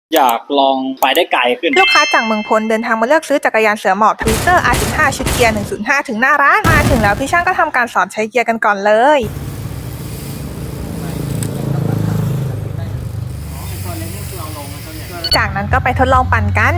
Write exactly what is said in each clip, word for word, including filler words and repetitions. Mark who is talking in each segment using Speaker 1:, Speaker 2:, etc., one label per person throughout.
Speaker 1: อยากลองไปได้ไกลขึ้น
Speaker 2: ลูกค้าจากเมืองพลเดินทางมาเลือกซื้อจักรยานเสือหมอบทวิตเตอร์ อาร์ สิบห้า ชุดเกียร์ หนึ่งศูนย์ห้า ถึงหน้าร้าน มาถึงแล้วพี่ช่างก็ทำการสอนใช้เกียร์กันก่อนเลย จากนั้นก็ไปทดลองปั่นกัน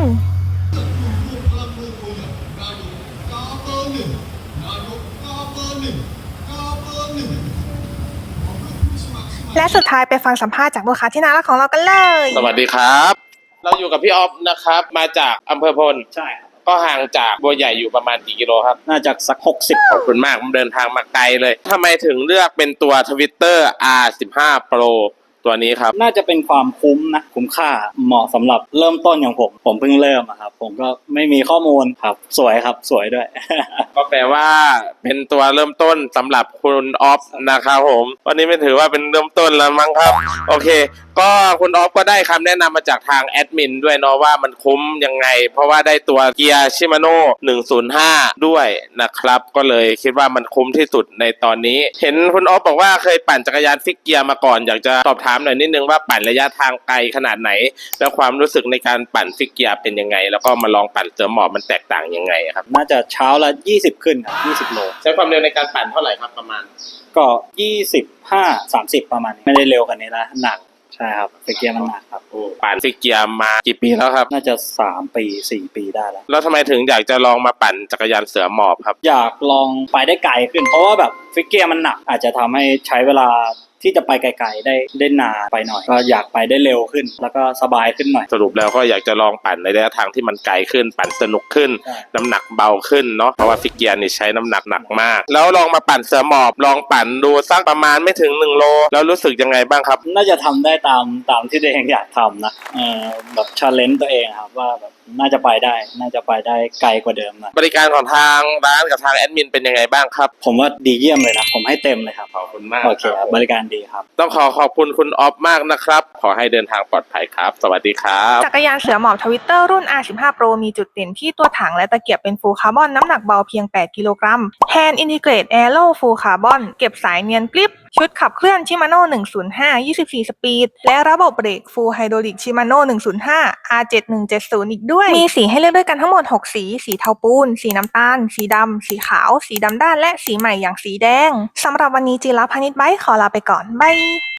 Speaker 2: และสุดท้ายไปฟังสัมภาษณ์จากลูกค้าที่น่ารักของเรากันเลย
Speaker 3: สวัสดีครับ เราอยู่กับพี่ออฟนะครับมาจากอำเภอพล
Speaker 1: ใช่ครับ
Speaker 3: ก็ห่างจากบัวใหญ่อยู่ประมาณกี่กิโลครับ
Speaker 1: น่าจะสักหกสิบ
Speaker 3: ขอบคุณมากเดินทางมาไกลเลยทำไมถึงเลือกเป็นตัว Twitter อาร์ สิบห้า Pro ตัวนี้ครับ
Speaker 1: น่าจะเป็นความคุ้มนะคุ้มค่าเหมาะสำหรับเริ่มต้นอย่างผมผมเพิ่งเริ่มอะครับผมก็ไม่มีข้อมูลครับสวยครับสวยด้วย
Speaker 3: ก็แปลว่าเป็นตัวเริ่มต้นสำหรับคุณออฟนะครับผมวันนี้ไม่ถือว่าเป็นเริ่มต้นแล้วมั้งครับโอเคก็คุณออฟก็ได้คำแนะนำมาจากทางแอดมินด้วยเนาะว่ามันคุ้มยังไงเพราะว่าได้ตัวเกียร์ชิมาโน่หนึ่งศูนย์ห้าด้วยนะครับก็เลยคิดว่ามันคุ้มที่สุดในตอนนี้เห็นคุณออฟบอกว่าเคยปั่นจักรยานฟิกเกียร์มาก่อนอยากจะสอบถามหน่อยนิดนึงว่าปั่นระยะทางไกลขนาดไหนแล้วความรู้สึกในการปั่นฟิกเกียร์เป็นยังไงแล้วก็มาลองปั่นเสือหมอบมันแตกต่างยังไงครับ
Speaker 1: น่าจะเช้าละยี่สิบขึ้นครับยี่สิบโล
Speaker 3: ใช้ความเร็วในการปั่นเท่าไหร่ครับประมาณ
Speaker 1: ก็ยี่สิบห้า สามสิบประมาณนี้ไม่ได้เร็วกว่านี้นะหนักใช่ครับฟิกเกียร์มันหนักครับ
Speaker 3: ปั่นฟิกเกียร์มากี่ปีแล้วครับ
Speaker 1: น่าจะสามปีสี่ปีได้แล้ว
Speaker 3: แล้วทำไมถึงอยากจะลองมาปั่นจักรยานเสือหมอบครับ
Speaker 1: อยากลองไปได้ไกลขึ้นเพราะว่าแบบฟิกเกียร์มันหนักอาจจะทำให้ใช้เวลาที่จะไปไกลๆได้ได้นานไปหน่อยก็อยากไปได้เร็วขึ้นแล้วก็สบายขึ้นหน่อย
Speaker 3: สรุปแล้วก็อยากจะลองปั่นในระยะทางที่มันไกลขึ้นปั่นสนุกขึ้นน้ำหนักเบาขึ้นเนาะเพราะว่าฟิกเกียร์นี่ใช้น้ำหนักหนักมากแล้วลองมาปั่นเสือหมอบลองปั่นดูสักประมาณไม่ถึงหนึ่งโลแล้วรู้สึกยังไงบ้างครับ
Speaker 1: น่าจะทำได้ตามตามที่ตัวเองอยากทำนะเออแบบชาเลนจ์ตัวเองครับว่าแบบน่าจะไปได้น่าจะไปได้ไกลกว่าเดิมนะ
Speaker 3: บริการของทางร้านกับทางแอดมินเป็นยังไงบ้างครับ
Speaker 1: ผมว่าดีเยี่ยมเลยนะผมให้เต็มเลยครับ
Speaker 3: ขอบคุณมาก
Speaker 1: โอเคบริการดีครับ
Speaker 3: ต้องขอขอบคุณคุณออฟมากนะครับขอให้เดินทางปลอดภัยครับสวัสดีครับ
Speaker 2: จักรยานเสือหมอบทวิตเตอร์รุ่น อาร์ สิบห้า Pro มีจุดเด่นที่ตัวถังและตะเกียบเป็นฟูลคาร์บอนน้ำหนักเบาเพียงแปดกิโลกรัม Hand Integrate Aero Full Carbon เก็บสายเนียนกริบชุดขับเคลื่อนชิมาโน่หนึ่งศูนย์ห้า ยี่สิบสี่สปีดและระบบเบรก Full Hydraulic Shimano หนึ่งศูนย์ห้า อาร์ เจ็ดหนึ่งเจ็ดศูนย์ อีกด้วยมีสีให้เลือกด้วยกันทั้งหมดหกสีสีเทาปูนสีน้ำตาลสีดำสีขาวสีดำด้านและสีใหม่อย่างสีแดงสำหรับวันนี้จิราพานิชไบค์ขอลาไปก่อนบาย